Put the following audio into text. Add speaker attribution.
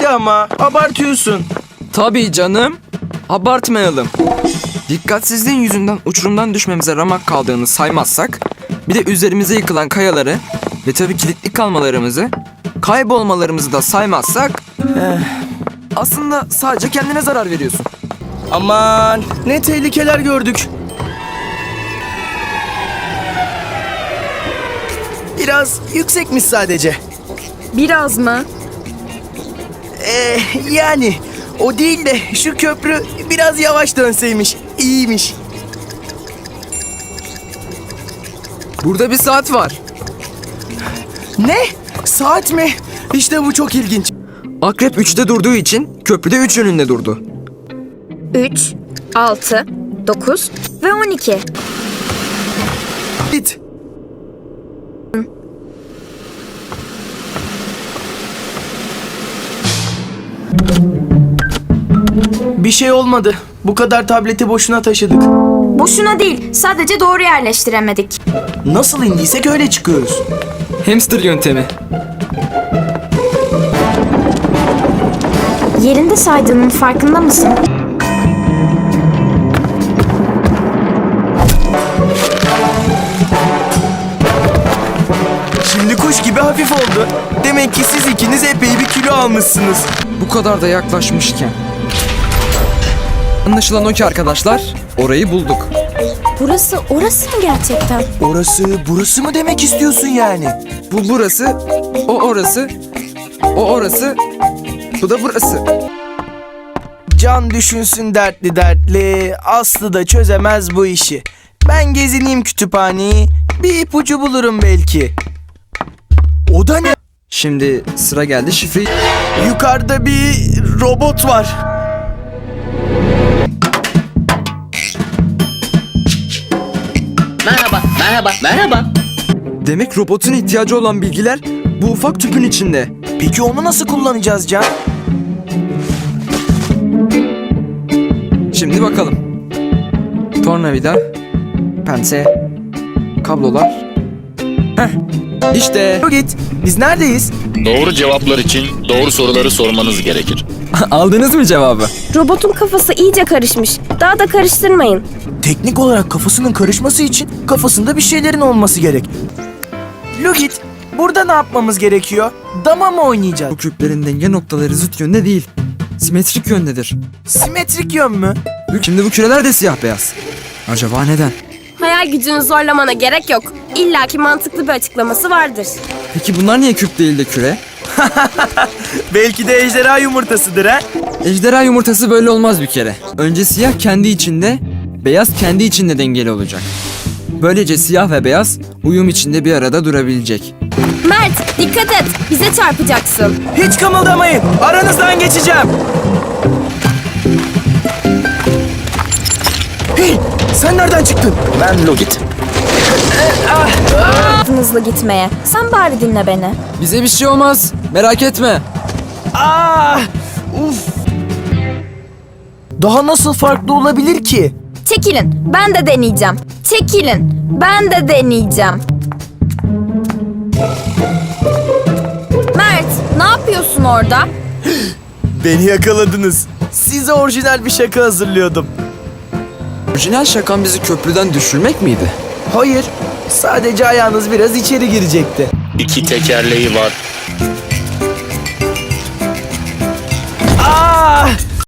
Speaker 1: Hadi ama abartıyorsun.
Speaker 2: Tabii canım. Abartmayalım. Dikkatsizliğin yüzünden uçurumdan düşmemize ramak kaldığını saymazsak, bir de üzerimize yıkılan kayaları ve tabii kilitli kalmalarımızı, kaybolmalarımızı da saymazsak, aslında sadece kendine zarar veriyorsun.
Speaker 1: Aman ne tehlikeler gördük. Biraz yüksekmiş sadece.
Speaker 3: Biraz mı?
Speaker 1: Yani o değil de şu köprü biraz yavaş dönseymiş. İyiymiş.
Speaker 2: Burada bir saat var.
Speaker 1: Ne? Saat mi? İşte bu çok ilginç.
Speaker 2: Akrep 3'te durduğu için köprüde 3 yönünde durdu.
Speaker 3: 3, 6, 9 ve 12.
Speaker 1: Git. Bir şey olmadı. Bu kadar tableti boşuna taşıdık.
Speaker 3: Boşuna değil, sadece doğru yerleştiremedik.
Speaker 1: Nasıl indiysek öyle çıkıyoruz.
Speaker 2: Hamster yöntemi.
Speaker 3: Yerinde saydığının farkında mısın?
Speaker 1: Şimdi kuş gibi hafif oldu. Demek ki siz ikiniz epey bir kilo almışsınız.
Speaker 2: Bu kadar da yaklaşmışken. Anlaşılan o ki arkadaşlar, orayı bulduk.
Speaker 3: Orası mı gerçekten?
Speaker 1: Burası mı demek istiyorsun yani?
Speaker 2: Bu burası, o orası, o orası, bu da burası.
Speaker 1: Can düşünsün dertli dertli, Aslı da çözemez bu işi. Ben gezineyim kütüphaneyi, bir ipucu bulurum belki. O da ne?
Speaker 2: Şimdi sıra geldi şifreyi.
Speaker 1: Yukarıda bir robot var.
Speaker 4: Merhaba.
Speaker 2: Demek robotun ihtiyacı olan bilgiler bu ufak tüpün içinde.
Speaker 1: Peki onu nasıl kullanacağız Can?
Speaker 2: Şimdi bakalım. Tornavida, pense, kablolar. Heh, işte.
Speaker 1: Git, biz neredeyiz?
Speaker 5: Doğru cevaplar için doğru soruları sormanız gerekir.
Speaker 2: Aldınız mı cevabı?
Speaker 6: Robotun kafası iyice karışmış. Daha da karıştırmayın.
Speaker 1: Teknik olarak kafasının karışması için kafasında bir şeylerin olması gerek. Lugit, burada ne yapmamız gerekiyor? Dama mı oynayacağız?
Speaker 2: Bu küplerin denge noktaları zıt yönde değil. Simetrik yöndedir.
Speaker 1: Simetrik yön mü?
Speaker 2: Şimdi bu küreler de siyah beyaz. Acaba neden?
Speaker 6: Hayal gücünü zorlamana gerek yok. İlla ki mantıklı bir açıklaması vardır.
Speaker 2: Peki bunlar niye küp değil de küre?
Speaker 1: Belki de ejderha yumurtasıdır ha?
Speaker 2: Ejderha yumurtası böyle olmaz bir kere. Önce siyah kendi içinde, beyaz kendi içinde dengeli olacak. Böylece siyah ve beyaz uyum içinde bir arada durabilecek.
Speaker 6: Mert, dikkat et. Bize çarpacaksın.
Speaker 1: Hiç kımıldamayın. Aranızdan geçeceğim. Hey, sen nereden çıktın?
Speaker 5: Ben Logit.
Speaker 3: Hızlı gitmeye. Sen bari dinle beni.
Speaker 2: Bize bir şey olmaz. Merak etme.
Speaker 1: Uf. Daha nasıl farklı olabilir ki?
Speaker 3: Çekilin. Ben de deneyeceğim. Çekilin. Ben de deneyeceğim. Mert, ne yapıyorsun orada?
Speaker 1: Beni yakaladınız. Size orijinal bir şaka hazırlıyordum.
Speaker 2: Orijinal şakan bizi köprüden düşürmek miydi?
Speaker 1: Hayır, sadece ayağınız biraz içeri girecekti.
Speaker 5: 2 tekerleği var.